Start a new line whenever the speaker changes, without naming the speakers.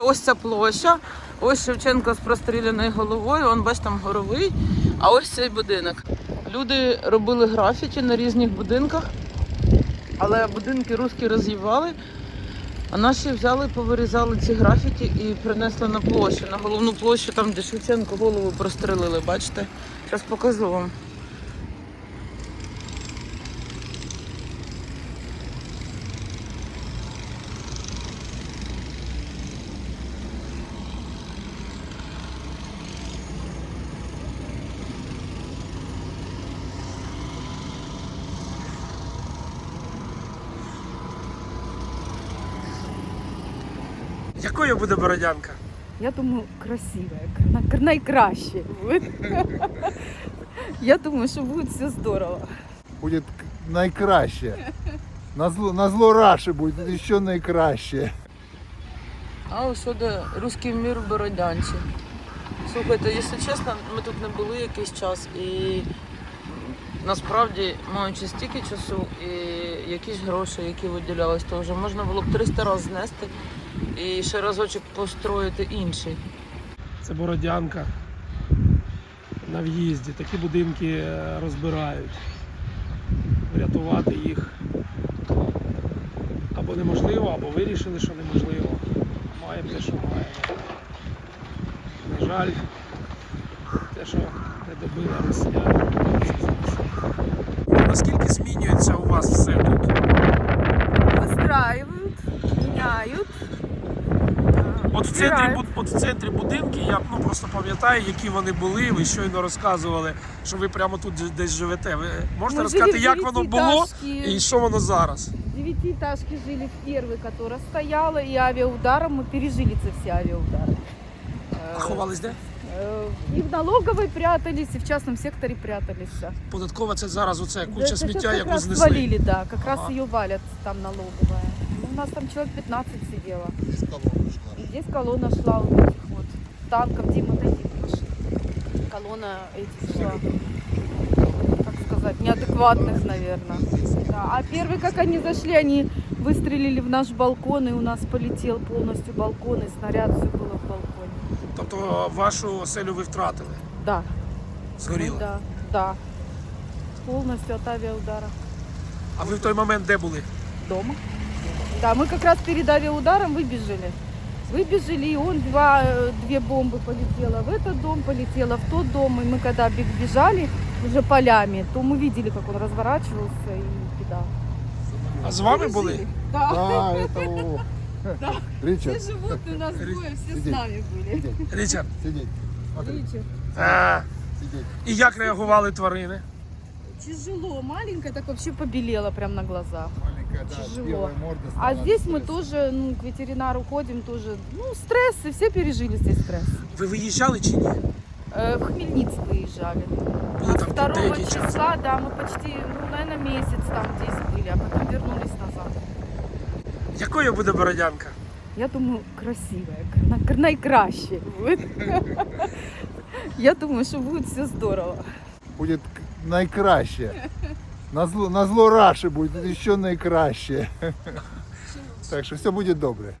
Ось ця площа, ось Шевченко з простріляною головою, он, бач, там Горовий, а ось цей будинок. Люди робили графіті на різних будинках, але будинки русські роз'їбали, а наші взяли, повирізали ці графіті і принесли на площу, на головну площу, там, де Шевченко голову прострелили, бачите? Зараз покажу вам.
Якою буде Бородянка?
Я думаю, красивая, найкраще будет. Я думаю, что будет все здорово.
Будет найкраще. На зло Раші буде ще найкраще.
А ось де руський мір в Бородянці. Слухайте, якщо чесно, ми тут не були якийсь час і насправді, маючи стільки часу і якісь гроші, які виділялись, то вже можна було б 300 разів знести і ще разочок построїти інший.
Це Бородянка на в'їзді. Такі будинки розбирають. Врятувати їх або неможливо, або вирішили, що неможливо. Маємо те, що маємо. На жаль, те, що не добила росіяни. Наскільки змінюється у вас все тут?
Выстраивают, меняют.
От в центрі будинки, я просто пам'ятаю, які вони були, ви щойно розказували, що ви прямо тут десь живете. Ви можете розказати, як воно було і що воно зараз?
Девятиэтажки жили в первой, которая стояла, и авиаударом мы пережили все авиаудары.
А ховались де?
И в налоговой прятались, и в частном секторе прятались.
Податкова це зараз оце
Да,
куча
это
сміття,
сейчас как
яку
раз
знесли.
свалили, да, как раз
Ага.
ее валят там налоговая. Ну, у нас там человек 15 сидело. И здесь колонна шла вот этих вот танков, Дима, отойди от машины. Колонна этих шла, как сказать, неадекватных, наверное. Да. А первый, как они зашли, они выстрелили в наш балкон, и у нас полетел полностью балкон, и снаряд все было в балконе.
Тобто вашу оселю ви втратили,
Да.
згоріли.
Ну, да, да. Полностью от авиаудара.
А ви в той момент де були?
Дома. Да, мы как раз перед авиаударом выбежали. Выбежали, и он две бомбы полетело в этот дом, полетело в тот дом. И мы когда бежали уже полями, то мы видели, как он разворачивался и кидал.
А з вами були?
Да.
А, это
Да.
Ричард,
Все животные у нас двое, все с
Сидеть.
нами были.
Річард.
сидеть. Смотри,
Ричард.
сидеть.
І як реагували тварини?
Тяжело, маленькая так вообще побелела прям на глазах.
Маленькая, да,
Тяжело.
белая морда.
А
стала
здесь мы
стресс.
тоже, к ветеринару ходим тоже. Стресс, и все пережили здесь стресс.
Ви виїжджали чи ні?
В Хмельницк выезжали.
Були там
2
деякий час.
числа, да, мы почти, наверное, месяц там здесь были, а потом вернулись назад.
Якою буде Бородянка?
Я думаю, красивая, найкраще будет. Я думаю, что будет все здорово.
Будет найкраще. На зло Раші буде ще найкраще. Так що все буде добре.